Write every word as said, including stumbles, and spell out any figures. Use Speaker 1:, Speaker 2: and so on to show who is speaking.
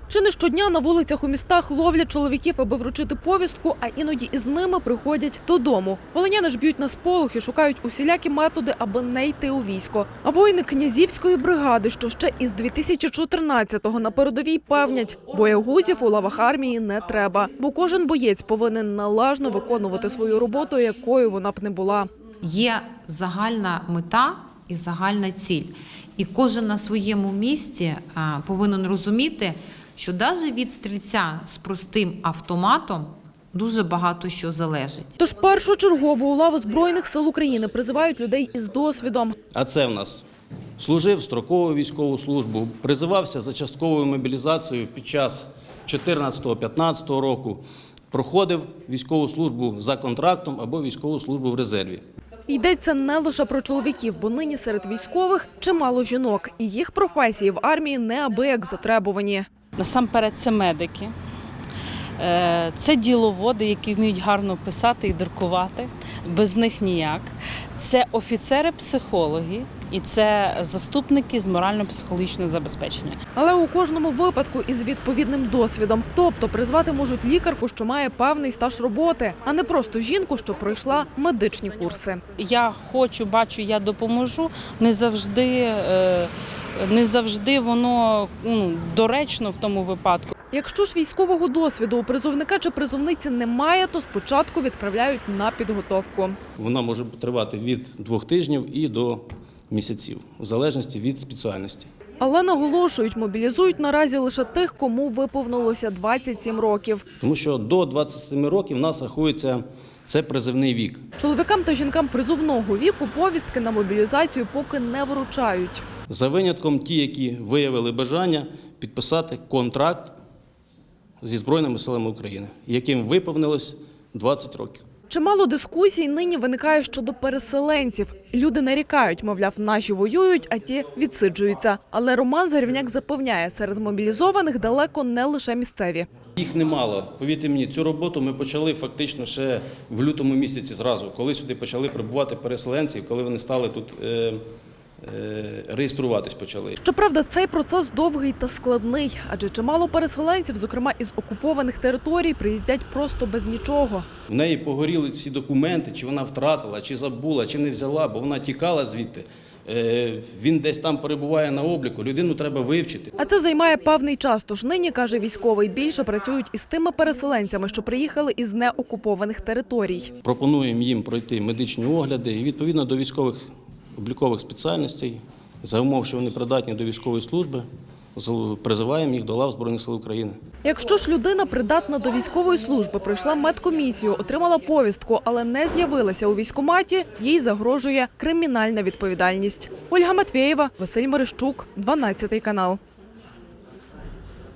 Speaker 1: Чи не щодня на вулицях у містах ловлять чоловіків, аби вручити повістку, а іноді із ними приходять додому. Волиняни ж б'ють на сполох і шукають усілякі методи, аби не йти у військо. А воїни Князівської бригади, що ще із дві тисячі чотирнадцятого на передовій, певнять, боягузів у лавах армії не треба, бо кожен боєць повинен належно виконувати свою роботу, якою вона б не була.
Speaker 2: Є загальна мета і загальна ціль. І кожен на своєму місці повинен розуміти, що навіть від стрільця з простим автоматом дуже багато що залежить.
Speaker 1: Тож першочергово у лаву Збройних сил України призивають людей із досвідом.
Speaker 3: А це в нас служив строкову військову службу, призивався за частковою мобілізацією під час чотирнадцятого-п'ятнадцятого року, проходив військову службу за контрактом або військову службу в резерві.
Speaker 1: Йдеться не лише про чоловіків, бо нині серед військових чимало жінок. І їх професії в армії неабияк затребувані.
Speaker 4: Насамперед це медики, це діловоди, які вміють гарно писати і друкувати, без них ніяк. Це офіцери-психологи і це заступники з морально-психологічного забезпечення.
Speaker 1: Але у кожному випадку із відповідним досвідом. Тобто призвати можуть лікарку, що має певний стаж роботи, а не просто жінку, що пройшла медичні курси.
Speaker 4: Я хочу, бачу, я допоможу. Не завжди, не завжди воно ну, доречно в тому випадку.
Speaker 1: Якщо ж військового досвіду у призовника чи призовниці немає, то спочатку відправляють на підготовку.
Speaker 3: Вона може тривати від двох тижнів і до місяців, в залежності від спеціальності.
Speaker 1: Але наголошують, мобілізують наразі лише тих, кому виповнилося двадцять сім років.
Speaker 3: Тому що до двадцяти семи років в нас рахується це призивний вік.
Speaker 1: Чоловікам та жінкам призовного віку повістки на мобілізацію поки не вручають.
Speaker 3: За винятком ті, які виявили бажання підписати контракт зі Збройними силами України, яким виповнилось двадцять років.
Speaker 1: Чимало дискусій нині виникає щодо переселенців. Люди нарікають, мовляв, наші воюють, а ті відсиджуються. Але Роман Зарівняк запевняє, серед мобілізованих далеко не лише місцеві.
Speaker 3: Їх немало. Повірте мені, цю роботу ми почали фактично ще в лютому місяці зразу, коли сюди почали прибувати переселенці, коли вони стали тут е, е, реєструватись почали.
Speaker 1: Щоправда, цей процес довгий та складний, адже чимало переселенців, зокрема із окупованих територій, приїздять просто без нічого.
Speaker 3: В неї погоріли всі документи, чи вона втратила, чи забула, чи не взяла, бо вона тікала звідти. Він десь там перебуває на обліку, людину треба вивчити.
Speaker 1: А це займає певний час, тож нині, каже військовий, більше працюють із тими переселенцями, що приїхали із неокупованих територій.
Speaker 3: Пропонуємо їм пройти медичні огляди і відповідно до військових облікових спеціальностей, за умов, що вони придатні до військової служби, призиваємо їх до лав Збройних сил України.
Speaker 1: Якщо ж людина придатна до військової служби, пройшла медкомісію, отримала повістку, але не з'явилася у військкоматі, їй загрожує кримінальна відповідальність. Ольга Матвєєва, Василь Мерещук, дванадцятий канал.